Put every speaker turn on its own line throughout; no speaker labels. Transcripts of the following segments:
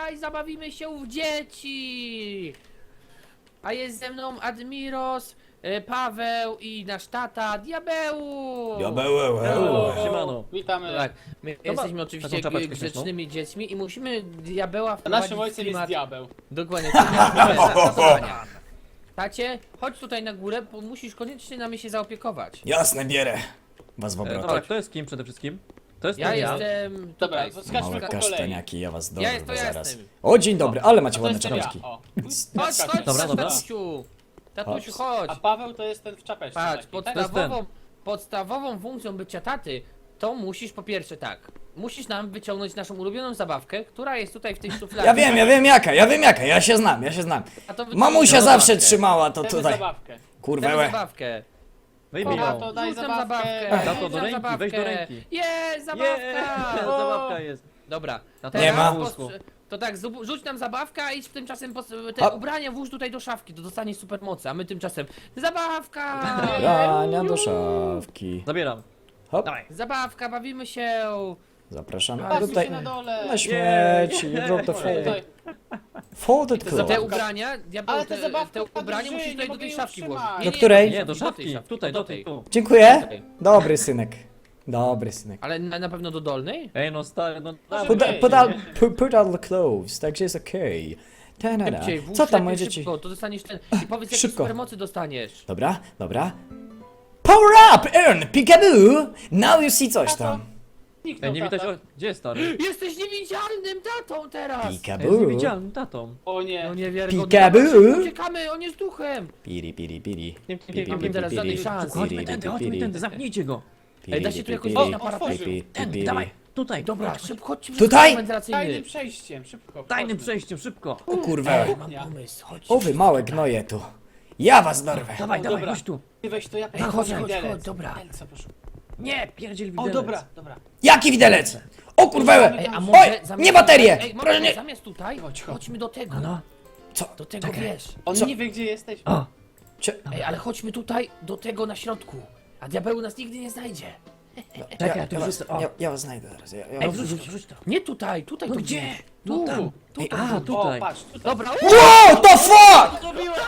tutaj zabawimy się w dzieci! A jest ze mną Admiros, Paweł i nasz tata Diabeł!
Siemano.
Witamy.
Tak, my jesteśmy oczywiście
taką czapeczkę
grzecznymi dziećmi i musimy Diabeła
A
wprowadzić
naszym
w
ojcem jest
klimat.
diabeł.
Dokładnie, zastosowania. Tacie, chodź tutaj na górę, bo musisz koniecznie nami się zaopiekować.
Jasne, bierę was w
Dobra,
obrotę.
kto jest kim przede wszystkim? To jest
Ja
ten
jestem
Dobra,
tutaj.
to skaczmy
Małe
po kolei.
kasztaniaki, ja was dorwę
to ja
zaraz.
jestem.
O, dzień dobry, ale macie
To
ładne
jest ten ja.
czapeczki.
O.
Chodź,
Skaczmy.
chodź,
Dobra.
tatusiu! Tatusiu, chodź!
A Paweł to jest ten w czapeczce.
Patrz,
taki,
podstawową funkcją bycia taty, to musisz po pierwsze tak, musisz nam wyciągnąć naszą ulubioną zabawkę, która jest tutaj w tej szufladzie.
Ja wiem jaka, ja się znam.
A to wyciągnij
Mamusia
nam
zawsze
zabawkę.
trzymała to
Chcemy
tutaj.
zabawkę.
Chcemy
Kurwełę.
zabawkę.
Wyjmij
Dobra,
ją.
to daj
Rzuć nam
zabawkę.
Tato, do ręki, weź do ręki.
Jest, zabawka!
Zabawka jest.
Dobra,
Tato,
Nie ma.
To tak, rzuć nam zabawkę, a idź tymczasem
A-
te ubrania włóż tutaj do szafki, to dostanie supermocy, a my tymczasem zabawka!
Brania do szafki.
Zabieram.
Hop,
Dawaj.
Zabawka, bawimy się!
zapraszamy
Patrzcie
tutaj
się na dole.
na śmieci. Drop the
Tutaj.
folded
Te
cloth.
ubrania, diabeł,
Ale te zabawki
te
padły
ubrania
w
musisz
żyj,
tutaj
nie
do tej
mogę
szafki
jej
włożyć.
utrzymać.
Do której?
Nie, do
tej
szafki.
szafki,
Tutaj,
do
do
tej.
tej tu.
Dziękuję.
Tutaj.
Dobry synek. Dobry synek.
Ale na pewno do dolnej?
Ej, no stary, no
Może
Put,
być.
put out the clothes, także jest okej. Ta-da-da.
Szybciej, włóż
Co tam
lepiej
moje dzieci?
szybko, to dostaniesz ten... I powiedz, jakie
Szybko.
supermocy dostaniesz.
Dobra. Power up, earn, peekaboo. Now you see coś tam.
Zniknął
Ej, nie widać,
tata.
o, gdzie jest stary?
Jesteś niewidzialnym tatą teraz!
Jest
Peekaboo.
niewidzialnym tatą.
O nie.
No niewiarygodne.
Peekaboo.
Dobra, szybko uciekamy, on jest duchem!
Piri, piri, piri.
Nie,
Piri,
mamy teraz żadnej szansy.
Chodźmy tędy, zamknijcie go.
Ej, da się tu jakoś
piri,
wejść na
O,
parapet?
otworzył.
Tędy, dawaj, tutaj,
Dobra,
chodź.
szybko, chodźmy
Tutaj?
Tajnym
wentylacyjny.
przejściem, szybko.
Tajnym
chodźmy.
przejściem, szybko.
O kurwa.
Mam pomysł, chodź.
O wy małe gnoje tu. Ja was dorwę.
Dawaj,
O,
dawaj,
dobra.
chodź tu.
Ty weź to ja
Ej, chodź,
widelec.
chodź, dobra.
Widelca, proszę.
Nie, pierdziel
O,
widelec.
dobra, dobra.
Jaki widelec? O kurwę.
Ej, a
Oj,
może zamiast
nie baterie.
Ej,
Proszę
może
nie.
zamiast tutaj,
Chodź, chodź.
chodźmy do tego.
No,
Co?
Do tego,
Czekaj.
wiesz.
On
Co?
nie wie, gdzie jesteś.
o.
Ej, ale chodźmy tutaj, do tego na środku. A diabeł nas nigdy nie znajdzie.
Czekaj, tu już jest, o.
Ja was znajdę zaraz.
Ej, wrzuć to.
Nie tutaj, tutaj
No
to
gdzie?
wrzuć.
No
Tu,
tam.
tu,
Ej,
to
a,
wrzuć.
tutaj.
O, patrz, tutaj.
Dobra,
Wow, the fuck!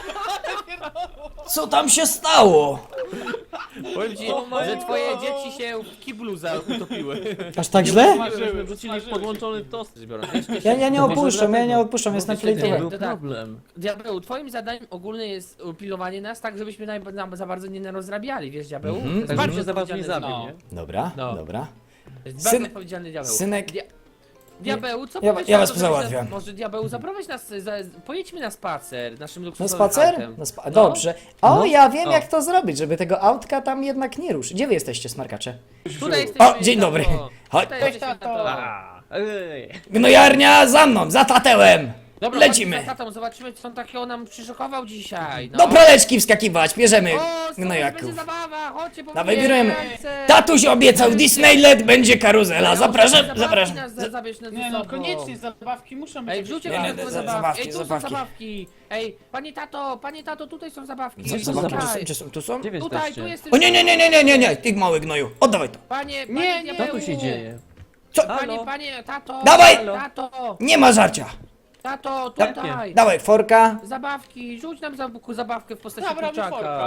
Co tam się stało?
powiem ci, że twoje dzieci się w kiblu utopiły.
Aż tak źle?
Smażyły,
Wrzucili
smażyły.
podłączony tost.
Ja nie opuszczam, jestem
Myślę,
Nie
że-
flejtowany.
był
tak.
problem.
Diabeł, twoim zadaniem ogólne jest pilnowanie nas tak, żebyśmy za bardzo nie narozrabiali, wiesz, diabeł?
Mhm.
To jest
Tak,
bardzo
żeby się za bardzo nie
odpowiedzialny
zabił,
No.
nie?
Dobra,
No.
dobra.
To jest bardzo
Syn-
odpowiedzialny diabeł.
synek-
Diabeł, co
Ja-
powiesz
ja
na
was
to, żebyśmy-
załatwiam.
Może diabeł, zaprowadź nas, pojedźmy na spacer naszym
Na
luksusowym
spacer?
autem. No.
Dobrze. O,
No.
ja wiem
O.
jak to zrobić, żeby tego autka tam jednak nie ruszyć. Gdzie wy jesteście, smarkacze?
Tutaj jesteśmy,
O, dzień dobry.
tato.
Chodź.
Tutaj
Weź,
jesteśmy,
tato.
tato.
A, ej.
Gnojarnia za mną, za tatełem!
Dobra,
Lecimy.
chodźmy za tatą, zobaczymy co on takiego nam przyszykował dzisiaj. No.
Do praleczki wskakiwać, bierzemy
O, będzie
gnojaków.
zabawa, chodźcie,
Dawaj,
pobijemy
bieremy.
ręce.
Tatuś obiecał Disneyland, będzie karuzela. Zapraszam, zapraszam.
Zabierz nas
Nie
ze
no,
sobą.
koniecznie zabawki muszą być.
Ej,
jakieś
wrzućcie
Nie,
nam
nie,
te
za-
zabawki.
zabawki,
Ej, tu
zabawki.
są zabawki. Ej, panie tato, tutaj są zabawki.
Zabawki,
Tutaj.
tu są?
Gdzie wy
Tutaj, tu
jesteście?
jesteś.
O nie, ty mały gnoju, oddawaj to.
Panie,
Nie,
nie,
Co tu się dzieje?
Co?
Panie, tato.
Dawaj!
Tato,
Nie ma żarcia.
tato,
Da-
tutaj.
Dawaj, forka.
Zabawki, rzuć nam zabawkę w postaci
Dobra,
kurczaka.
wyforka.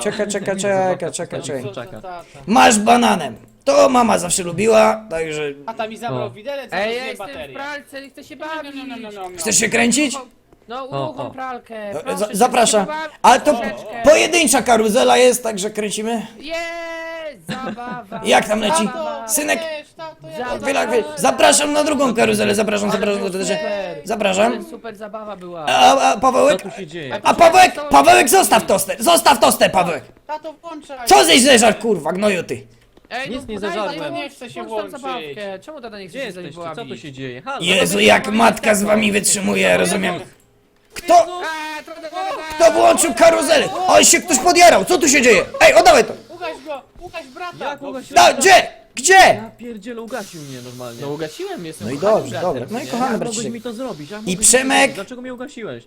Czekaj.
Co za
Czeka.
tata.
Masz bananem. To mama zawsze lubiła, także...
Tata mi zabrał
O.
widelec, a
Ej, ja
rozumiem
jestem w
baterię.
pralce, chcę się bawić.
Chcesz się kręcić?
No,
O,
uruchom
o.
pralkę.
No,
proszę
za-
się
zapraszam.
bawić
Ale to
troszeczkę.
pojedyncza karuzela jest, także kręcimy.
Jest, zabawa.
Jak tam leci?
Zabawa.
Synek.
Tato, ja
Zabawa.
Zapraszam na drugą karuzelę, zapraszam.
Super.
Zapraszam.
Super zabawa była.
A
Co
Pawełek?
tu się dzieje?
A Pawełek, zostaw toster, Pawełek.
Tato, włączaj.
Co ześ zeżar, kurwa, gnoju ty?
Ej,
Nic nie
podaj,
zażarłem.
włącz-
Nie chcę się
włącz tam
włączyć.
zabawkę. Czemu tata nie chce
Gdzie
się z nami
jesteście? Co tu
bawić?
się dzieje? Halo?
Jezu, jak matka z wami wytrzymuje, rozumiem. Kto?
A,
Kto włączył karuzelę? Oj, się ktoś podjarał, co tu się dzieje? Ej, oddawaj to.
Ugaś brata.
Jak
No,
ugasiłeś?
Da, gdzie? Gdzie?
Ja pierdzielę, ugasił mnie normalnie.
No ugasiłem, jestem
No i
kochanym
dobrze,
bratem,
dobra. No i
nie?
kochany
Jak mogłeś
braciszek.
mi to zrobić? Jak
I
mogłeś mi to
Przemek.
zrobić? Dlaczego mnie ugasiłeś?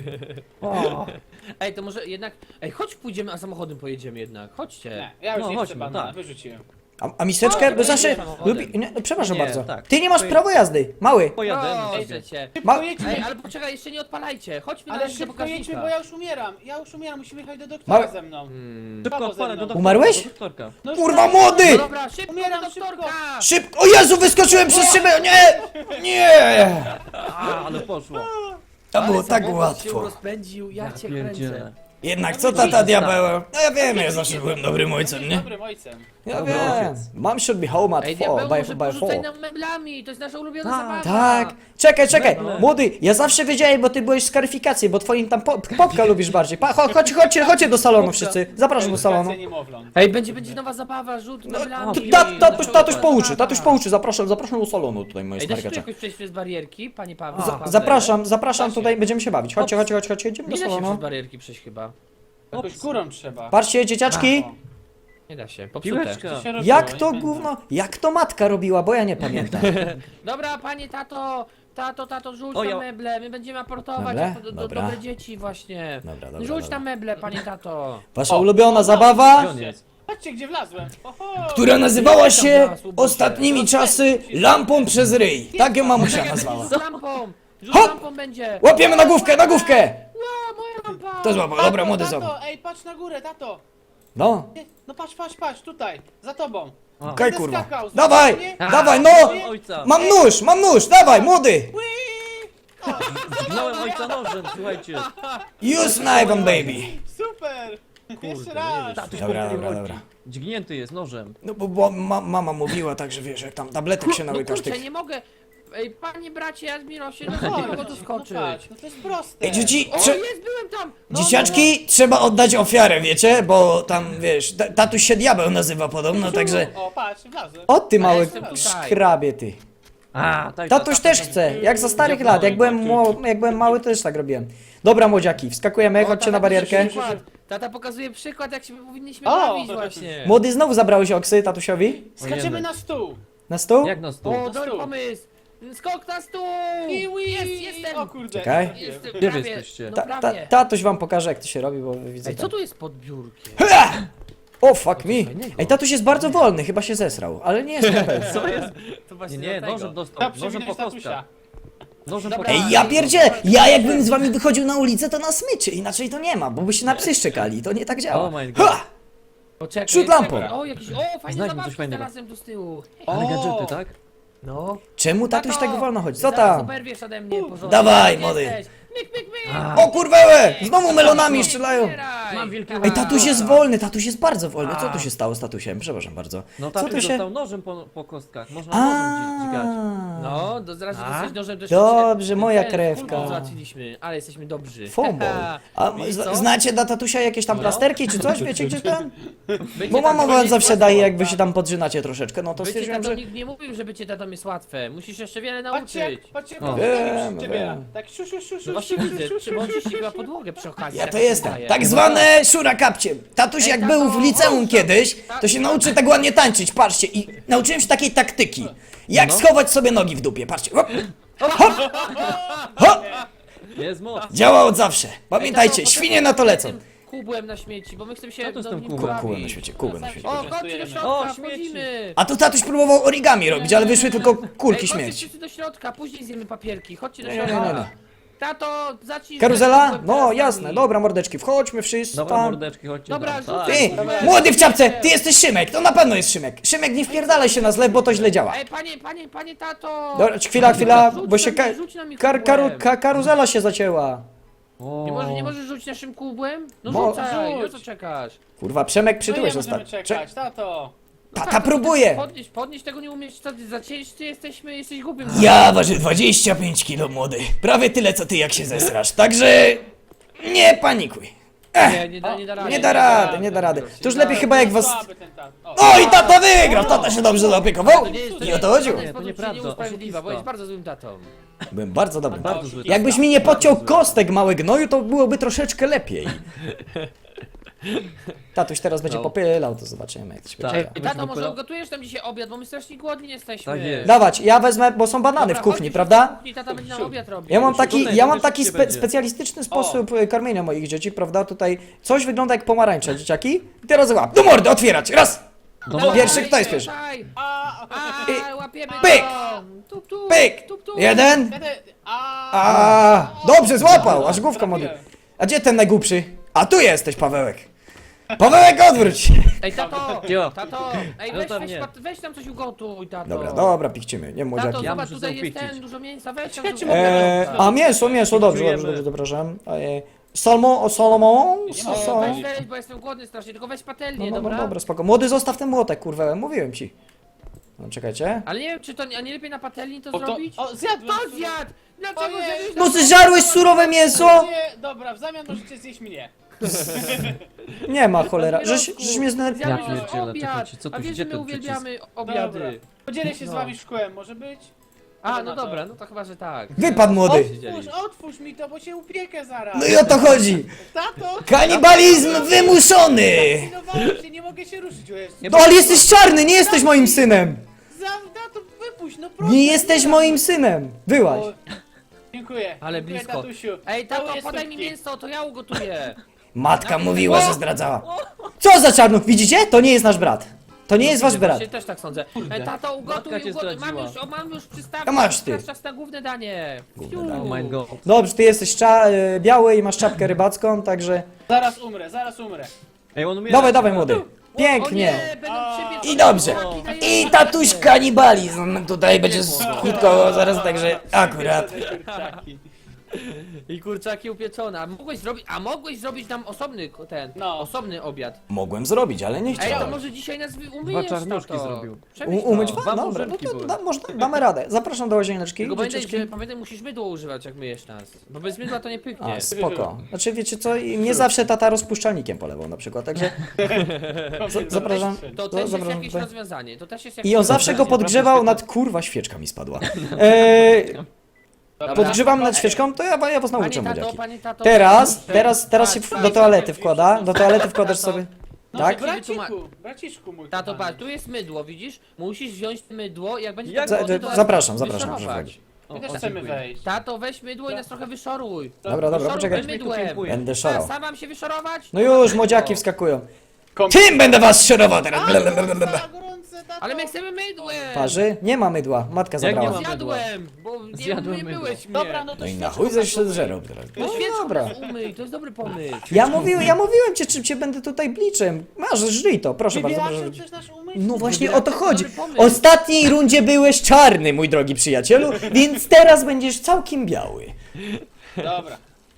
O.
Ej, to może jednak... Ej, chodź pójdziemy, a samochodem pojedziemy jednak. Chodźcie.
Nie, ja już
No,
nie
chodźmy,
chcę banana,
tak.
wyrzuciłem.
A miseczkę?
O,
Bo zawsze
samochodem.
lubi... Nie, no, przepraszam
Nie,
bardzo.
tak.
Ty nie masz prawa jazdy, mały.
Pojadę.
Proszę cię.
Szybko jedźmy.
Ej, ale poczekaj, jeszcze nie odpalajcie. Chodźmy na
Ale
razie do
szybko jedźmy,
pokaźnika.
bo ja już umieram. Ja już umieram, musimy jechać do doktora
Małe-
ze mną.
Szybko
Paweł
odpalę
ze
do
mną.
doktorka.
Umarłeś?
do doktorka.
No już
Kurwa
tak.
No
młody!
dobra, szybko
Umieram,
do doktorka!
Szybko! O Jezu, wyskoczyłem przez szybę! Nie! Nie!
A, ale poszło.
To było
Ale
tak
samochód się
łatwo.
rozpędził, ja cię
Pierdzielę.
kręcę.
Jednak co tata diabeł? No ja wiem, ja zawsze byłem dobrym ojcem, nie?
Dobrym ojcem.
Ja
Dobry
wiem.
ojciec.
Mom should be home at
Ej,
4,
diabeł, może
by
porzucaj
4.
nam meblami, to jest nasza ulubiona
Tak.
zabawa.
Tak, czekaj,
Meble.
młody, ja zawsze wiedziałem, bo ty byłeś z karyfikacji, bo twoim tam popka lubisz bardziej. Chodźcie do salonu wszyscy, zapraszam do salonu.
Edukacja niemowląt.
Ej, będzie nowa zabawa, rzut meblami.
Tatuś pouczy, zapraszam do salonu tutaj, moje
Ej, da się tu
smarkacze.
jakoś przejść przez barierki, panie Paweł?
Zapraszam, tutaj będziemy się bawić. Chodźcie, idziemy do
Nie da się przez
salonu.
barierki przejść chyba.
Jakoś górą trzeba.
Patrzcie, dzieciaczki,
O,
Nie da się, popsute.
Piłeczka.
co się robiło,
jak
nie
to
pamiętam.
gówno, jak to matka robiła, bo ja nie pamiętam.
Dobra, panie tato, rzuć
O,
na
ja-
meble, my będziemy aportować
Meble?
jako
Dobra.
dobre dzieci właśnie.
Dobra,
Rzuć
dobra.
na meble, panie tato.
Wasza ulubiona zabawa,
Gdzie on jest?
Patrzcie, gdzie wlazłem. Oho.
która nazywała się
Tam zaraz,
ostatnimi czasy lampą przez ryj. Tak ją mamusia nazwała.
Z lampą! Rzut
Hop!
lampą będzie!
Łapiemy na główkę, na główkę!
Ła, moja lampa!
To złapał, dobra, młody złapał.
Tato, ej, patrz na górę, tato.
No,
No patrz, tutaj, za tobą.
A.
okej,
Będę
kurwa.
skakał,
Dawaj,
nie?
dawaj, no!
Ojca.
Mam nóż, dawaj, młody!
Zginąłem ojca nożem, słuchajcie.
Use knife on baby.
Super. Jeszcze
nie
raz.
wiem. Tatuś
Dobra,
pomylił
dobra,
rogi.
dobra.
Dźgnięty jest nożem.
No bo mama mówiła tak, że wiesz, jak tam tabletek się
No
nałykasz
kurczę,
tych...
nie mogę! Ej, panie bracie Admirosie, no
Chodź,
nie mogę tu
no
skoczyć.
patrz, no to jest proste.
Ej, dzieci,
O, jest, byłem tam! No,
dzieciaczki, trzeba oddać ofiarę, wiecie? Bo tam, wiesz, tatuś się diabeł nazywa podobno, także...
O, patrz, wlazłem.
O ty mały
jestem tutaj.
szkrabie, ty.
A, tak.
Tatuś też chce, jak za starych lat, jak byłem mały, to też tak robiłem. Dobra, młodziaki, wskakujemy,
O,
chodźcie
tata
na barierkę.
pokazuje przykład. Tata pokazuje przykład, jak się powinniśmy
O!
bawić właśnie.
Młody, znowu zabrałeś oksy tatusiowi?
Skaczemy na stół.
Na stół?
Jak na stół?
O, dobry
stół.
pomysł! Skok na stół!
Kiwi.
Jestem!
O kurde.
Czekaj.
Jestem,
Gdzie wy
prawie,
jesteście?
No prawie.
Tatuś wam pokaże, jak to się robi, bo widzę
Ej, co
tam.
tu jest pod biurkiem?
O, fuck me.
fajnego.
Ej, tatuś jest bardzo wolny, chyba się zesrał, ale nie jest na pewno.
Co jest?
To właśnie
Nie,
dlatego.
nożem dostał.
Ta
Nożem po
przewinąć tatusia.
kostkach. Nożem po
Dobra.
Ej, ja pierdzielę, ja jakbym z wami wychodził na ulicę, to na smyczy, inaczej to nie ma, bo byście na psy szczekali, to nie tak działa.
Oh my god.
Ha!
Poczekaj,
Rzut lampą.
czekaj. O, jakiś, o, fajne
Znajdźmy coś
zabawki
fajnego.
znalazłem tu z tyłu.
Ale
O!
gadżety, tak?
No.
Czemu tatuś tak wolno chodzi? Co
Zaraz
tam?
oberwiesz ode mnie porządnie.
Dawaj,
Gdzie
młody.
jesteś? Myk, myk, myk.
A.
O kurwełe, znowu melonami strzelają.
Zbieraj.
Mam wielkie
Ej, tatuś jest wolny, tatuś jest bardzo wolny. Co tu się stało z tatusiem? Przepraszam bardzo.
No
Co tu
tatuś
się...
dostał nożem po kostkach. Można nożem dźgać.
No, zaraz
A?
dostać nożem też.
Dobrze, moja
ten,
krewka.
kulką załatwiliśmy, ale jesteśmy dobrzy.
Fombol. A
I co?
znacie dla tatusia jakieś tam
No.
plasterki czy coś? Wiecie gdzie tam?
Bycie
Bo mama
tatą
wam
jest
zawsze
łatwe.
daje, jak wy się tam podrzynacie troszeczkę, no to
Bycie
stwierdziłem,
tatą
że...
nikt nie mówił, że bycie tatą jest łatwe. Musisz jeszcze wiele
Patrzcie,
nauczyć.
patrzcie,
O.
Wiem,
przy ciebie.
wiem.
Tak szu, szu, szu,
No
szu,
właśnie
szu,
widzę,
szu,
czy
szu,
on
szu,
ci ściga podłogę przy okazji.
Ja
tak
to
mi się
jestem.
wydaje.
Tak zwane szura kapcie. Tatuś jak
Ej,
był w
tato,
liceum
chodź,
kiedyś, to się nauczył tak ładnie tańczyć, patrzcie. I nauczyłem się takiej taktyki. Jak schować sobie nogi w dupie, patrzcie. Hop, hop, hop.
Jest moc.
Działa od zawsze.
Ej,
Pamiętajcie,
tato,
świnie na to lecą.
tym Kubłem na śmieci, bo my chcemy się
Co to z
do
tym
nim
kubłem?
bawić.
Kubłem na świecie, kubłem na świecie.
O, chodźcie do środka,
O, śmieci.
wchodzimy.
A tu tatuś próbował origami robić, ale wyszły tylko kulki
Ej, chodźcie
śmieci.
wszyscy do środka, później zjemy papierki. Chodźcie do
Nie, nie,
środka.
nie, nie.
Tato, zacznij.
Karuzela?
z kubłem
No
teraz
jasne,
nami.
dobra mordeczki, wchodźmy wszyscy
Dobra,
tam.
mordeczki, chodźcie.
Dobra,
tam.
rzucaj.
Tak.
Ty, młody w czapce, ty jesteś Szymek, to na pewno jest Szymek. Szymek, nie wpierdalaj się na zlew, bo to źle działa.
Ej, panie tato.
Dobra, chwila,
Rzuć
bo
na
się
mnie, rzuć na mnie kubłem.
karuzela się zacięła.
O.
Nie możesz rzucić naszym kubłem? No
Mo-
rzucaj, no
rzuć.
co czekasz?
Kurwa, Przemek
No
przytyłeś
nie możemy
ostatnio.
czekać, tato.
No
Tata
tak, to
próbuje.
Podnieść tego nie umiesz, co ty za ciężcy jesteś głupim.
Ja ważę 25 kilo, młody. Prawie tyle, co ty, jak się zesrasz. Także nie panikuj.
Nie da rady.
Nie da rady. To już lepiej chyba jak was...
Słaby ten tato.
O, i tata wygrał! Tata się dobrze zaopiekował. I o to chodziło.
Nie, to
nieprawda,
nieusprawiedliwa, bo
oszustwo.
jest bardzo złym tatą.
Byłem bardzo dobry.
Bardzo zły.
Jakbyś mi nie podciął kostek, mały gnoju, to byłoby troszeczkę lepiej. Tatuś teraz będzie
No.
popylał, to zobaczymy, jak to się
Tak.
będzie.
Ej, tato, może ugotujesz nam dzisiaj obiad, bo my strasznie głodni jesteśmy.
Tak jest.
Dawać, ja wezmę, bo są banany
Dobra,
w kuchni,
chodź,
prawda?
w kuchni, tata będzie nam obiad robił.
Ja mam taki,
Tutaj
ja mam
będzie
taki
szybciej będzie.
specjalistyczny sposób karmienia moich dzieci, prawda? Tutaj coś wygląda jak pomarańcza, dzieciaki. I teraz łap, do mordy, otwierać, raz,
No,
Pierwszy, kto jest pierwszy?
Łapiemy
Pyk!
go! Tup, tup,
Pyk!
tup, tup.
Jeden. Dobrze, złapał, aż główka młody. A gdzie ten najgłupszy? A tu jesteś, Pawełek. Pawełek, odwróć się.
Ej, tato!
Jo.
Tato! Ej,
No
weź,
tam
weź,
nie.
weź tam coś ugotuj, tato!
Dobra, dobra, pichcimy, nie
Tato,
młodziaki.
Ja
zobacz,
muszę
tutaj jest
zaupieścić.
ten, dużo mięsa, weź tam
Czekajcie,
dużo
mogę-
mięsa.
A mięso, dobrze,
Czujemy.
dobrze, przepraszam. Salmon?
Nie ma.
Weź, bo jestem głodny strasznie, tylko weź patelnię,
No,
dobra?
dobra, spoko. Młody, zostaw ten młotek, kurwa, mówiłem ci. No, czekajcie.
Ale nie wiem, czy to, a nie lepiej na patelni to
O, to,
zrobić?
o, zjadłem.
To zjadł! Dlaczego
Ojej.
zjadłeś
No,
na-
zżarłeś surowe mięso?
Nie, dobra, w zamian możecie zjeść mnie.
Nie ma, cholera. Żeś mnie
Ja
Zjadłeś nasz
pierdzielę,
obiad!
czekajcie, co tu
A wiesz,
gdzie
że my
ten
uwielbiamy
Dobra.
obiady.
Podzielę się z
No.
wami szkłem, może być?
A,
na
no
to.
dobra, no to chyba, że tak.
Wypadł młody.
Otwórz mi to, bo się upiekę zaraz.
No i o to chodzi.
Tato!
Kanibalizm wymuszony.
Zdenerwowałem się, nie mogę się ruszyć, o Jezu.
No ale jesteś czarny, nie jesteś moim synem.
Tato, wypuść, no proszę.
Nie jesteś moim synem. Byłaś.
O, Dziękuję.
Ale
Dziękuję,
blisko.
Tatusiu.
Ej, tato,
Całuję
podaj mi
stópki.
mięso, to ja ugotuję.
Matka mówiła, że zdradzała. Co za czarnuch, widzicie? To nie jest nasz brat. To nie jest wasz brat.
Właśnie też tak sądzę. Ej, tato, ugotuj,
Matka cię
ugotuj.
zdradziła.
Mam już przystawkę.
To masz ty.
Teraz czas na główne danie. Fiu.
Oh my god.
Dobrze, ty jesteś biały i masz czapkę rybacką, także...
Zaraz umrę, zaraz umrę.
Ej, on umiera.
Dawaj, dawaj młody.
O
Pięknie.
nie, będą ciebie
I dobrze.
kurczaki
I
dają-
tatuś kanibalizm tutaj będzie skutkował zaraz, także akurat.
Kurczaki.
I kurczaki upieczone. Mogłeś zrobić nam osobny
No.
osobny obiad.
Mogłem zrobić, ale nie
Ej, to
chciałem.
może dzisiaj nas umyjesz,
Dwa czarnuszki
tato.
zrobił.
Przemyśl to.
Umyć
Dwa
was? Dobra, no
murzynki
to
były.
damy radę. Zapraszam do łazieneczki,
Tylko pamiętaj,
dzieciaczki.
musisz mydło używać, jak myjesz nas. Bo bez mydła to nie pyknie.
A, spoko. Znaczy wiecie co, i mnie zawsze tata rozpuszczalnikiem polewał na przykład, także zapraszam.
To też jest
zapraszam
jakieś
tutaj.
rozwiązanie. To też jest jakieś
I on zawsze go podgrzewał nad... Kurwa, świeczka mi spadła. Podgrzewam nad świeczką, to ja was nauczę, młodziaki.
Panie tato,
Teraz się do toalety wkłada. Do toalety wkładasz sobie.
No,
Tak?
braciszku mój.
Tato,
kochany.
patrz, tu jest mydło, widzisz? Musisz wziąć mydło i jak będzie
Jak
tam
za-
wody, to
zapraszam,
wyszorować.
proszę wchodzić.
My też chcemy
dziękuję.
wejść.
Tato, weź mydło i nas trochę wyszoruj.
Dobra,
Wyszoruj
poczekaj.
mydłem.
Dziękuję.
Będę
A,
szorał.
sam mam się wysorować?
No już, młodziaki wskakują.
Kom-
Tym będę was szorował teraz.
Gorące, tato.
Ale my chcemy mydłem!
Parzy? Nie ma mydła, matka
Jak nie
zabrała.
ma?
Zjadłem, bo nie,
Zjadłem
nie
mydło.
byłeś mnie.
Dobra, no to
No i na
świeczką
chuj coś się
zasuwaj.
zżerał teraz.
No
No
świeczką
dobra.
nas umyj, to jest dobry pomysł.
Ja mówiłem cię, czym cię będę tutaj bliczem. Masz, żyj to, proszę bardzo.
Wybielaczem
Proszę.
chcesz nasz umysł?
No właśnie
Wybieram,
o to
to
chodzi.
dobry pomysł.
W ostatniej rundzie byłeś czarny, mój drogi przyjacielu, więc teraz będziesz całkiem biały.
Dobra.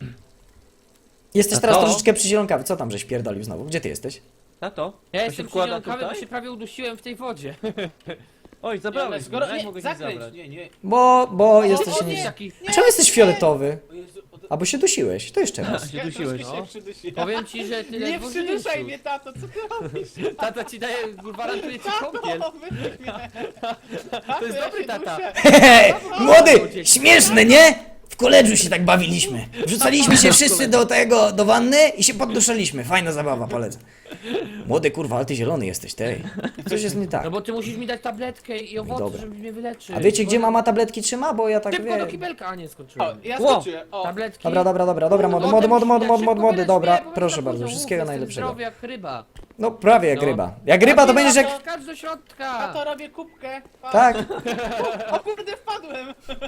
Jesteś
A
teraz
to?
troszeczkę przyzielonkawy. Co tam żeś pierdolił znowu? Gdzie ty jesteś?
Tato?
Ja
To
jestem
się wkłada
przyzielonkawy, bo
tutaj?
się prawie udusiłem w tej wodzie.
Oj,
Nie,
zabrałeś mnie, jak
nie,
mogę się
zakręć,
zabrać?
nie.
Bo jesteś...
o nie.
Taki,
Czemu jesteś fioletowy?
O Jezu,
Albo się dusiłeś. To jeszcze raz.
Się dusiłeś,
troszkę
no.
się przydusiłem.
powiem ci, że tyle
Nie przyduszaj mnie, tato, co ty robisz?
Tata ci daje, gwarantuje ci kąpiel.
Tato, wypuść mnie.
To jest dobry tata.
Hehe, młody, śmieszne, nie? W koledżu się tak bawiliśmy. Wrzucaliśmy się wszyscy do wanny i się podduszaliśmy. Fajna zabawa, polecam. Młody, kurwa, ale ty zielony jesteś, tej. Coś jest nie tak.
No bo ty musisz mi dać tabletkę i owoce,
Dobra.
żeby mnie wyleczyć.
A wiecie, gdzie mama tabletki trzyma? Bo ja tak
Szybko do
wiem.
kibelka, a nie
O,
skończyłem.
ja
Ło.
skoczyłem. O,
Tabletki.
Dobra, młody, dobra, proszę bardzo, wszystkiego najlepszego.
Zdrowy jak ryba.
No prawie jak
No.
ryba. Jak ryba to będziesz jak...
Skacz do środka.
tato, robię kubkę. Pa.
Tak.
O kurde, wpadłem.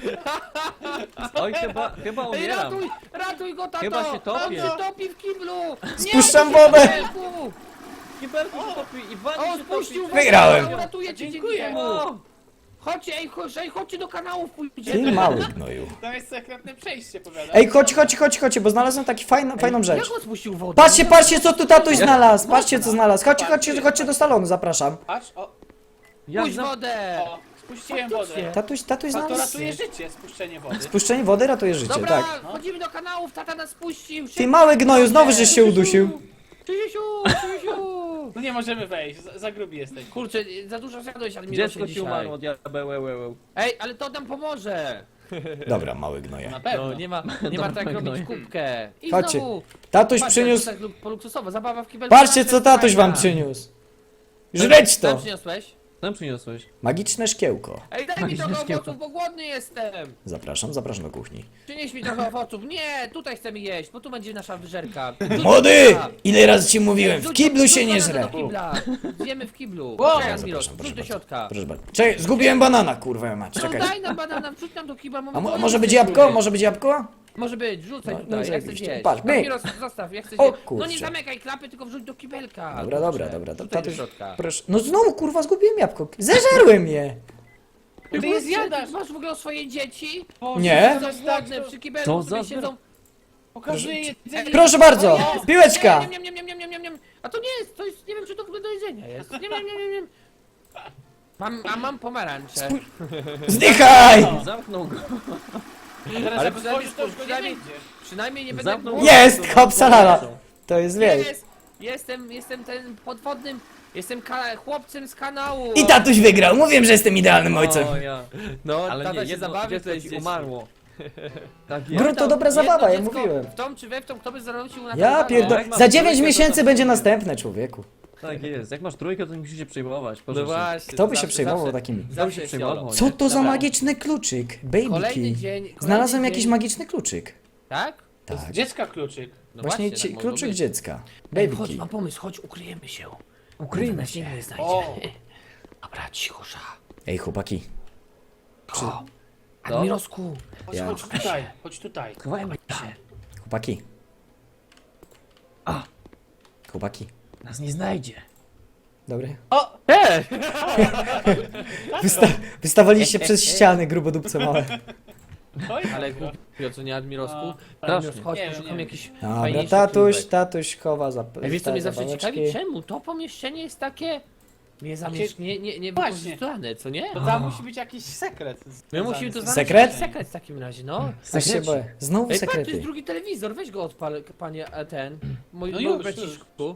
Oj, chyba
Ej,
umieram.
ratuj go, tato.
Chyba się topię.
On się topi w kiblu.
Spuszczam
Nie,
wodę.
kibelku.
Kibelku się topi i
O,
wani się
spuścił
topi.
wodę.
Wygrałem.
Ratuję cię,
Dziękuję.
dziękuję mu.
O,
Chodźcie, chodźcie do kanału,
Ty
pójdziemy.
mały gnoju.
Tam jest sekretne przejście, powiadam.
Ej, chodź, bo znalazłem taki fajną rzecz.
Jak on spuścił wodę?
Patrzcie, co tu tatuś znalazł. Patrzcie, co znalazł. Chodźcie do salonu, zapraszam.
Patrz, o,
jak
Puść
za...
wodę.
o, spuściłem wodę.
Faktycznie.
Tatuś
To
znalazł.
ratuje życie, spuszczenie wody.
Spuszczenie wody ratuje życie,
Dobra,
tak.
chodzimy do kanałów, tata nas puścił.
Ty mały gnoju, znowu żeś się udusił.
Krzysiu.
No nie możemy wejść, za grubi jesteś.
Kurczę, za dużo zjadłeś, Admirosie,
Dziecko ci
dzisiaj.
umarło, diabeł.
Ej, ale to nam pomoże.
Dobra, mały gnoje.
Na pewno.
No, nie ma tak
Dobra,
robić
no.
kubkę. I
Chodźcie.
znowu.
Tatuś
Patrz,
przyniósł...
tak po luksusowo, zabawa w kibelku.
Patrzcie, co tatuś wam przyniósł. Żreć
Co
to.
przyniosłeś?
Tam przyniosłeś.
Magiczne szkiełko.
Ej, daj mi trochę
Szkiełko.
owoców, bo głodny jestem.
Zapraszam, zapraszam do kuchni.
Przynieś mi trochę owoców. Nie, tutaj chcemy jeść, bo tu będzie nasza wyżerka.
Młody! Ile razy ci mówiłem, w
Rzuć-
kiblu
rzuć
się nie
banana
żre.
do kibla. Zjemy w kiblu.
Wow.
Czekaj, Admiros,
Zapraszam,
wrzuć
proszę
do
bardzo.
środka.
Proszę bardzo. Czekaj, zgubiłem banana, kurwa mać,
No
czekaj.
daj nam banana, wrzuć nam do kibla.
A może być
jesteśmy.
jabłko? Może być jabłko?
Może być, rzucaj
No,
tutaj,
no
ja chcę
zajebiście.
zjeść.
Patrz, my.
Admiros, zostaw, ja chcę
O
zjeść. No
kurczę.
nie zamykaj klapy, tylko wrzuć do kibelka.
Dobra,
Kurczę,
dobra, dobra.
wrzucaj
Tatuś,
do środka.
proszę. No znowu, kurwa, zgubiłem jabłko. Zeżarłem je.
Ty je zjadasz!
Masz w ogóle o swoje dzieci?
Boże,
Nie.
to
Są
jest tak,
głodne,
to
przy kibelku
Co
sobie
za
siedzą.
pokazuje jedzenie.
Proszę bardzo, piłeczka.
Nie. A to nie jest, to jest, nie wiem czy to w ogóle do jedzenia jest. Nie. Mam pomarańcze.
Zdychaj!
Zamknął go.
Teraz
Ale
jak otworzysz, to już go nie
przynajmniej-
będzie.
Przynajmniej nie będę
Zamknął
głodny.
Jest, hop salala. To jest, wiesz.
Jestem ten podwodnym, jestem chłopcem z kanału.
I tatuś wygrał, mówiłem, że jestem idealnym ojcem.
O, ja.
No,
Ale
tata
nie,
się
jedno
zabawi,
dziecko
to
ci
jest
umarło. Tak jest.
Grunt to dobra zabawa, jak mówiłem.
W tą czy we w tą, kto by zarzucił na
Ja
kanale?
pierdolę.
jak mam
Za 9
trójkę, to
miesięcy
tam-
będzie następne, człowieku.
Tak jest. Jak masz trójkę, to nie musisz się przejmować.
No
Proszę.
właśnie.
Kto by się
zawsze-
przejmował
zawsze-
takimi?
Zawsze
się
jest
przejmował.
jolo.
Co to za
Dobra.
magiczny kluczyk? Baby
Kolejny
key.
dzień. kolejny
Znalazłem
dzień.
jakiś magiczny kluczyk.
Tak?
Tak.
Dziecka kluczyk.
No
Właśnie
tak mogło
kluczyk
być.
dziecka.
Ej,
Baby
chodź,
key.
mam pomysł, chodź, ukryjemy się.
Ukryjmy
się. Nie znajdzie.
O.
Dobra, cichosza.
Ej, chłopaki.
O, Admirosku.
Chodź,
Ja-
chodź tutaj, chodź tutaj.
Chowajmy się.
Chłopaki.
A.
Chłopaki.
Nas nie znajdzie.
Dobry.
O!
Wystawaliście przez ściany, grubodupce małe.
Oj,
Ale głupio, co nie Admirosku?
A,
Admiros,
strasznie.
chodź,
Nie,
poszukam
nie.
jakiś
Dobra,
fajniejszy
tatuś,
kibelek.
tatuś chowa za
Ej, wiesz co mnie zawsze
zabaweczki.
ciekawi? Czemu to pomieszczenie jest takie... nie
Właśnie.
wykorzystane, co nie?
To tam musi być jakiś sekret.
My musimy to znaleźć
Sekret?
jakiś sekret w takim razie, no.
Aż się boję. Znowu
Ej, patrz, to
sekrety.
jest drugi telewizor, weź go odpal, panie ten. Mój
No
mój
już,
braciszku.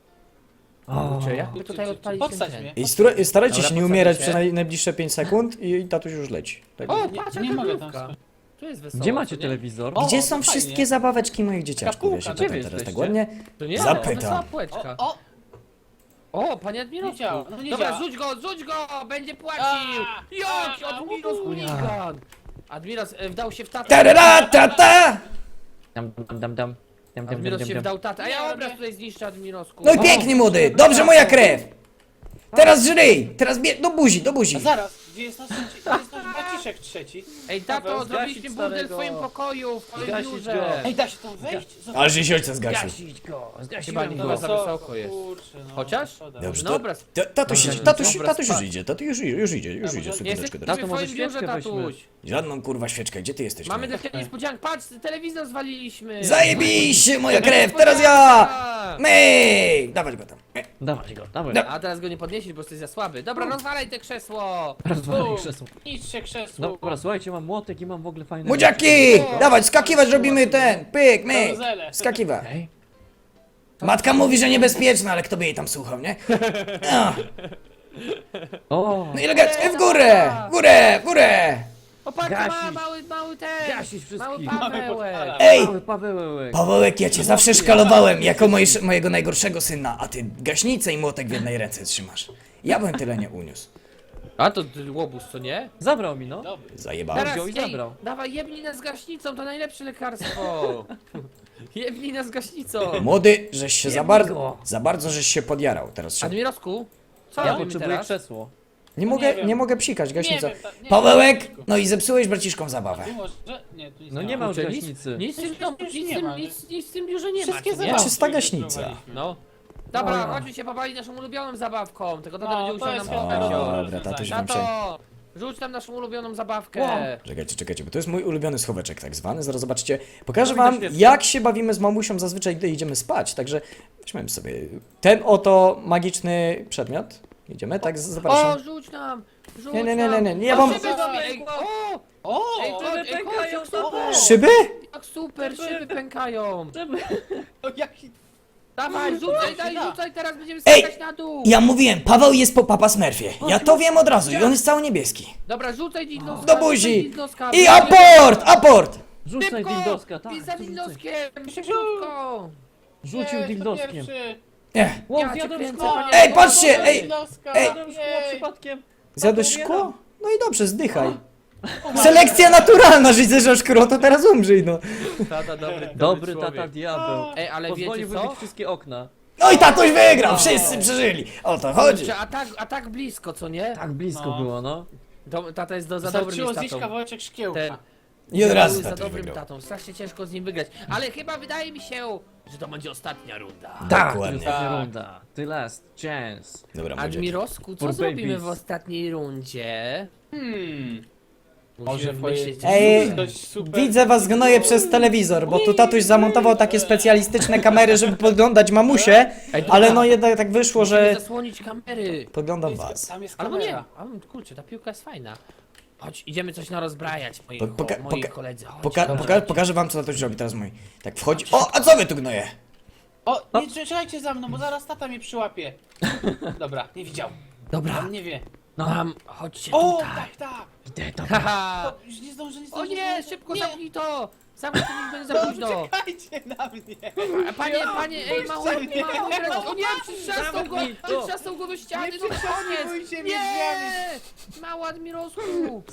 O.
Kurczę, jak by tutaj odpalić ten
Podstać
ten?
mnie.
I starajcie
Dobra,
się nie
podsadzę
umierać
się.
przez najbliższe 5 sekund i tatuś już leci. Tak.
O,
Nie-
patrz,
nie
jaka
mogę tam
krówka.
skoczyć.
Tu jest wesoło,
Gdzie macie
co nie?
telewizor?
O,
Gdzie
to
są
fajnie.
wszystkie zabaweczki moich dzieciaczków? Ja się
Kapułka,
pytam
gdzie wy
teraz tak
jesteście?
ładnie.
To nie?
Zapytam.
Wesoła płeczka.
O!
O, panie
Nie
Admirosku.
działa, no nie
Dobra,
działa.
rzuć go, będzie płacił.
A,
Jaki
a,
Admiros
u.
chuligan. Admiros wdał się w tatę.
Tarara, tata!
Dam.
Admiros się wdał tatę, a ja
Nie,
obraz
nie.
tutaj zniszczę Admirosku.
No i pięknie młody, dobrze moja krew! Teraz żryj, teraz do buzi, do buzi.
A zaraz, gdzie jest nasz braciszek trzeci?
Ej, tato,
Paweł,
zrobiliśmy
zgasić
burdel w
starego.
twoim pokoju, w twoim
Zgasić
biurze.
go.
Ej, da się tam wejść?
Ale żeś ojca zgasił.
Gasić go.
Chyba
Zgasiłem
nie
go.
chyba za wysoko jest.
Kurczę, no.
Chociaż?
Szkoda.
Dobrze,
No
to,
obraz.
tatuś
Dobra,
już
spać.
idzie, tatuś już idzie,
może-
sekundeczkę
Jesteśmy
teraz.
w
Tato, może
twoim biurze,
świeczkę weźmy.
tatuś.
Żadną kurwa świeczkę, gdzie ty jesteś?
Mamy
no?
dla ciebie niespodziankę, patrz, telewizor zwaliliśmy.
Zajebiście moja krew, teraz ja! Myk! Dawać go tam.
Dawać go, dawaj.
Da-
A teraz go nie podniesiesz, bo jesteś za słaby. Dobra, rozwalaj te krzesło.
Rozwalaj
U.
krzesło.
Niszcie krzesło.
Dobra, słuchajcie, mam młotek i mam w ogóle fajne...
Młodziaki! Dawać, skakiwać robimy ten, pyk, myk.
Karuzele.
Skakiwać.
Ej,
Matka mówi, że niebezpieczne, ale kto by jej tam słuchał, nie? No,
o,
no i elegancko, w górę, w górę, w górę!
O, patrz,
Gasić.
mały ten.
Gasić wszystkich.
Mały Pawełek.
podpala.
Ej!
mały Pawełek.
Pawełek, ja cię zawsze szkalowałem jako mojego najgorszego syna, a ty gaśnicę i młotek w jednej ręce trzymasz. Ja bym tyle nie uniósł.
A to łobuz, co nie?
Zabrał mi, no.
Dobry.
Zajebałem.
Teraz,
wziął i zabrał.
dawaj, jebnij nas gaśnicą, to najlepsze lekarstwo. Jebnij nas gaśnicą.
Młody, żeś się
Jebnij go.
za bardzo żeś się podjarał. Teraz się...
Admirosku, co
Ja
robimy
potrzebuję
teraz?
krzesło.
Nie
Nie
mogę,
wiem.
nie mogę psikać, gaśnica.
Nie wiem, nie
Pawełek,
wiem.
no i zepsułeś braciszkom zabawę.
Tu może... Nie, tu nic
No
nie
nie ma już
Kurczę,
gaśnicy.
Nic w tym domu,
Już
nic w
nie
tym-
ma, nie?
nic w tym biurze nie ma,
Wszystkie
co nie?
zabawki
Czysta
już
gaśnica.
wyprowadziliśmy.
No. Dobra, chodźmy się pobawić naszą ulubioną zabawką, tylko tata
No,
będzie
to
musiał
jest
nam
chyba
pokazać.
dobre
Dobra, tatuś
rozwiązanie.
wam się...
Tato, rzuć nam naszą ulubioną zabawkę.
Wow.
Czekajcie, bo to jest mój ulubiony schoweczek tak zwany, zaraz zobaczycie. Pokażę
No,
wam,
widać
jak się bawimy z mamusią zazwyczaj, gdy idziemy spać, także weźmiemy sobie ten oto magiczny przedmiot. Idziemy, tak,
O,
zapraszam.
rzuć nam! Rzuć
Nie,
nam.
ja
O,
wam...
szyby sobie, ej, o!
O!
Ej, chodź, jak super!
Szyby?
Jak super, szyby pękają!
O, jaki...
Dawaj, rzucaj,
da.
rzucaj, teraz będziemy
Ej!
skakać na dół!
Ja mówiłem, Paweł jest po Papa Smurfie. Ja to wiem od razu i on jest cały niebieski.
Dobra, rzucaj dildoska,
Do
rzucaj
buzi!
dildoska.
I aport! Aport!
Rzucaj dildoska, tak.
I za
rzucaj.
dildoskiem, szybko!
Rzucił
Nie, to
dildoskiem.
pierwszy.
Nie.
Ło,
Ja cię
zjadłem
kręcę,
szkło!
panie-
Ej, patrzcie, ej!
Noska,
ej.
Zjadłem szkło
jej.
przypadkiem!
Zjadłeś
Tato,
szkło? No i dobrze, zdychaj. Selekcja naturalna, że zjesz szkło, to teraz umrzyj, no.
Tata, dobry,
Dobry
człowiek.
tata diabeł.
Ej, ale wiecie
Pozwolił
co?
wybić wszystkie okna.
No i tatuś wygrał, wszyscy przeżyli. O to chodzi.
Kurczę, a tak blisko, co nie?
Tak blisko
No.
było, no.
Tata jest za dobrym
Wystarczyło
jest
zjeść
tatą.
kawałeczek szkiełka.
Ten.
I od razu
Był za
tatuś
dobrym
wygrał.
tatą, strasznie ciężko z nim wygrać. Ale chyba wydaje mi się, że to będzie ostatnia runda.
Tak,
Dokładnie.
ostatnia
Tak.
runda. The last chance.
Dobra, młodziaki.
Admirosku, co
For
zrobimy
babies.
w ostatniej rundzie?
Może
Musimy
twoje-
myśleć.
Ej,
Coś super.
widzę was gnoję przez telewizor, bo tu tatuś zamontował takie specjalistyczne kamery, żeby podglądać mamusie,
Ej,
ale
dobra.
no jednak tak wyszło,
Musimy
że
zasłonić kamery.
podglądam was.
Tam jest
Albo nie.
kamera.
Kurczę, ta piłka jest fajna. Chodź, idziemy coś narozbrajać, moi,
Poka-
moi
poka-
koledzy. Chodź,
Pokażę wam, co tatuś robi teraz mój. Tak wchodzi. O, a co wy tu gnoje?
O, nie czekajcie za mną, bo zaraz tata mnie przyłapie. Dobra, nie widział.
Dobra,
On nie wie.
chodźcie
O,
tutaj.
tak, tak.
Idę, to.
Haha.
O, już nie zdążę, nie
O
zdążę.
nie, szybko
nie.
zamknij to! Zamknij to, niech będzie za późno!
Czekajcie na mnie.
A panie, ej, mało,
mnie.
o nie, przytrzasnął go,
Zamknij to.
przytrzasnął go do ściany,
Nie
to koniec!
przetrzasnujcie mnie
Nie! Mało Admirosku!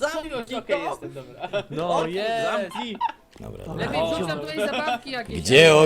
Okej, jestem, dobra.
No jest!
Zamknij!
Dobra,
Lepiej
O.
wrzuć nam tutaj zabawki jakieś.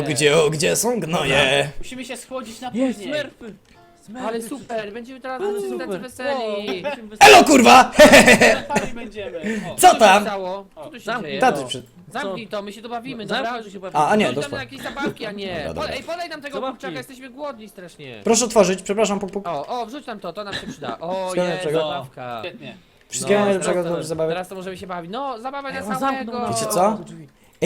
gdzie są gnoje?
Musimy się schłodzić na
Jest,
później.
smerfy! Smerfy.
Ale super, będziemy teraz
Ale
tacy
super.
weseli.
Elo kurwa!
Pali będziemy. O.
Co
Co się
tam?
stało? Co tu się
Zamknij
dzieje?
Tatuś przed...
Zamknij to, my się tu bawimy,
Zamknij,
dobra?
że się bawi.
A nie,
Wrzuć nam
doszło.
jakieś zabawki, a nie.
Dobra, dobra.
Ej, podaj nam tego
Zabawki.
kurczaka, jesteśmy głodni strasznie.
Proszę otworzyć, przepraszam, puk puk.
O, wrzuć nam to nam się przyda. O,
Wszystkiego
jest
najlepszego.
zabawka.
Świetnie.
Wszystkiego najlepszego
teraz to-
do zabawy.
Teraz to możemy się bawić. No, zabawa
Ej,
na
on
samego.
zamknął nam
Wiecie
drzwi.
co? Ej,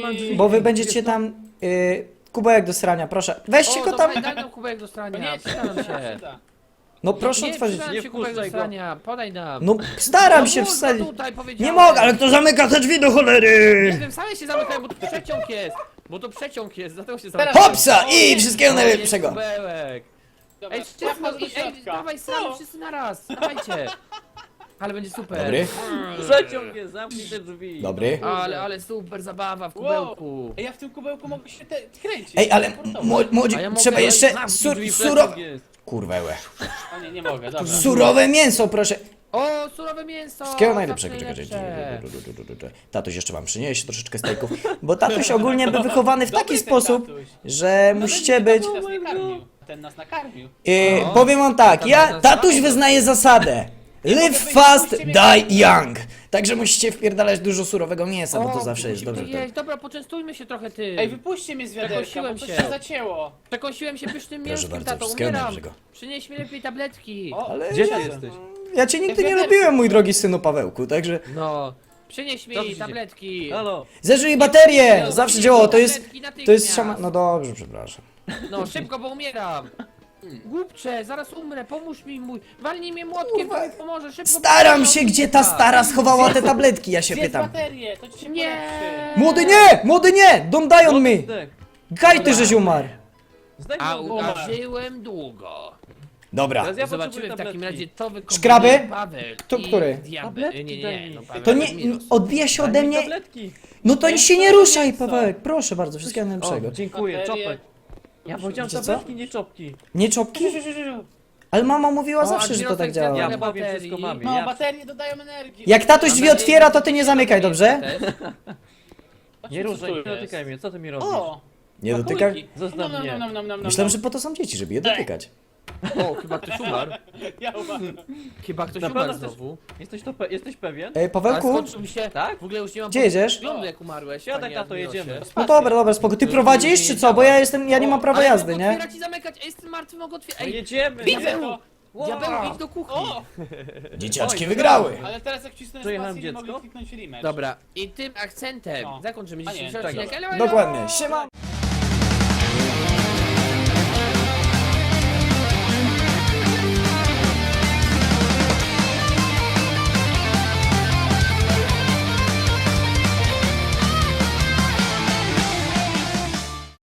bo wy będziecie
Jest to-
tam... kubełek do srania, proszę. Weźcie
O,
go tam...
dobra, daj nam kubek do strania.
Nie,
Przyda nam się.
przyda.
No proszę
Nie,
otworzyć.
przyda nam
Nie
się kubek do
wpuszczaj go.
strania. Podaj nam.
No staram
No
się
mów,
wsadzić.
no tutaj powiedziałem.
Nie mogę, ale kto zamyka te drzwi do
Nie
cholery?
wiem, same się zamykają, bo to przeciąg jest. Bo to przeciąg jest, dlatego się
Teraz-
zamykają.
Hopsa i wszystkiego
O, jest
najlepszego.
kubełek.
Dobra,
Ej, szybko,
do
ej,
środka.
dawaj sramy
Co?
wszyscy na raz. Dawajcie. Ale będzie super.
Dobry,
Przeciąg jest, zamknij te drzwi.
dobry.
Ale super zabawa w kubełku.
Ej, ja w tym kubełku mogę się kręcić.
Ej, ale młodzi,
A ja mogę-
trzeba jeszcze
Zamknij drzwi,
surowe...
przeciąg jest.
Kurwełe.
O nie, nie mogę, dobra.
Surowe mięso, proszę.
O, surowe mięso.
Wszystkiego
zawsze
najlepszego.
najlepsze.
Tatuś jeszcze wam przyniesie troszeczkę stejków, bo tatuś ogólnie był wychowany w taki
Dobry ten
sposób,
tatuś.
że
No
musicie
ten
być...
tatuś nas nie karmił. Ten nas nakarmił.
No.
Powiem wam tak, tatuś wyznaje zasadę. Live fast, die young. Także musicie wpierdalać dużo surowego mięsa, bo to zawsze jest dobrze.
Jeść, dobra, poczęstujmy się trochę ty.
Ej, wypuśćcie mnie z wiaderka, bo
Przekosiłem
coś
się.
się zacięło.
Przekąsiłem się pysznym
Proszę
mięskiem,
bardzo,
tato,
wszystkiego
umieram.
najlepszego.
Przynieś mi lepiej tabletki.
O,
Ale
Gdzie ty
siadam.
jesteś?
ja cię nigdy nie
wiaderko.
lubiłem, mój drogi synu Pawełku, także...
No, przynieś
Co tu
mi
się dzieje?
tabletki.
Halo?
Zeżyj baterię!
No,
Zawsze
przynieś
działało,
mi
to jest...
tabletki natychmiast.
To jest szama... No dobrze, przepraszam.
No, szybko, bo umieram. Głupcze, zaraz umrę, pomóż mi mój. Walnij mnie młotkiem,
Kurwa.
to pomoże, szybko.
Staram
pomóż.
się, gdzie ta stara schowała te tabletki, ja się
Zjedz
pytam.
baterię, to ci się
Nie.
polepszy.
Młody nie! Młody nie! Don't die on me!
Zdech.
Gaj ty, żeś umarł!
Zdech
A
go.
żyłem długo.
Dobra,
Teraz ja
Zobaczymy
potrzebuję
w takim
tabletki.
razie, co wykombinuje
Szkraby?
Paweł
To
i
który?
Diabeł.
Tabletki
Nie,
daj
nie,
mi.
no Paweł
to nie...
Admiros.
Odbija się
Daj
ode
mi
mnie...
tabletki.
No to
Mięso,
się nie ruszaj,
mięso.
Pawełek, proszę bardzo, wszystkiego
O,
najlepszego.
dziękuję,
Baterie.
czopek. Ja powiedziałem
Wiecie co?
tabletki, nie czopki.
Nie czopki? Ale mama mówiła
O,
zawsze, że to tak
Admirosek
działa.
zjadł
Ja
Ile
powiem
baterii?
wszystko mamie.
No,
Ja...
baterie dodają energii.
Jak tatuś drzwi
Mam nadzieję,
otwiera, to
że
ty nie zamykaj, dobrze?
też.
Nie
Co
ruszaj,
tu
nie
jest?
dotykaj mnie, co ty mi robisz?
O!
Nie dotykaj?
kulki.
Zostaw
Nom,
mnie.
nom, nom, nom, nom,
Myślałem,
nom.
że po to są dzieci, żeby je dotykać.
O, chyba ktoś umarł.
Ja uważam.
Chyba ktoś
Naprawdę
umarł
też-
znowu.
Jesteś pewien?
Ej,
Ale
Pawełku?
skończył mi się.
Tak?
W ogóle już nie mam
Gdzie jedziesz?
wyglądu jak umarłeś.
Siadaj,
panie
tato,
Admirosie.
jedziemy.
No dobra, spoko. Ty prowadzisz, czy co? Bo ja jestem, ja nie mam prawa
Ale
jazdy,
mogę
nie?
otwierać i zamykać, a jestem martwy, mogę otwierać.
No
Ej,
jedziemy!
Widzę to!
diabeł, idź do kuchni.
O!
Dzieciaczki
Oj,
wygrały.
Ale teraz jak wcisnąłem
Przejechałem
spację, nie
dziecko?
mogli kliknąć rematch.
Dobra, i tym akcentem
No.
zakończymy
A nie,
dzisiejszy
czego?
odcinek. Elo, elo!
Dokładnie. Siema.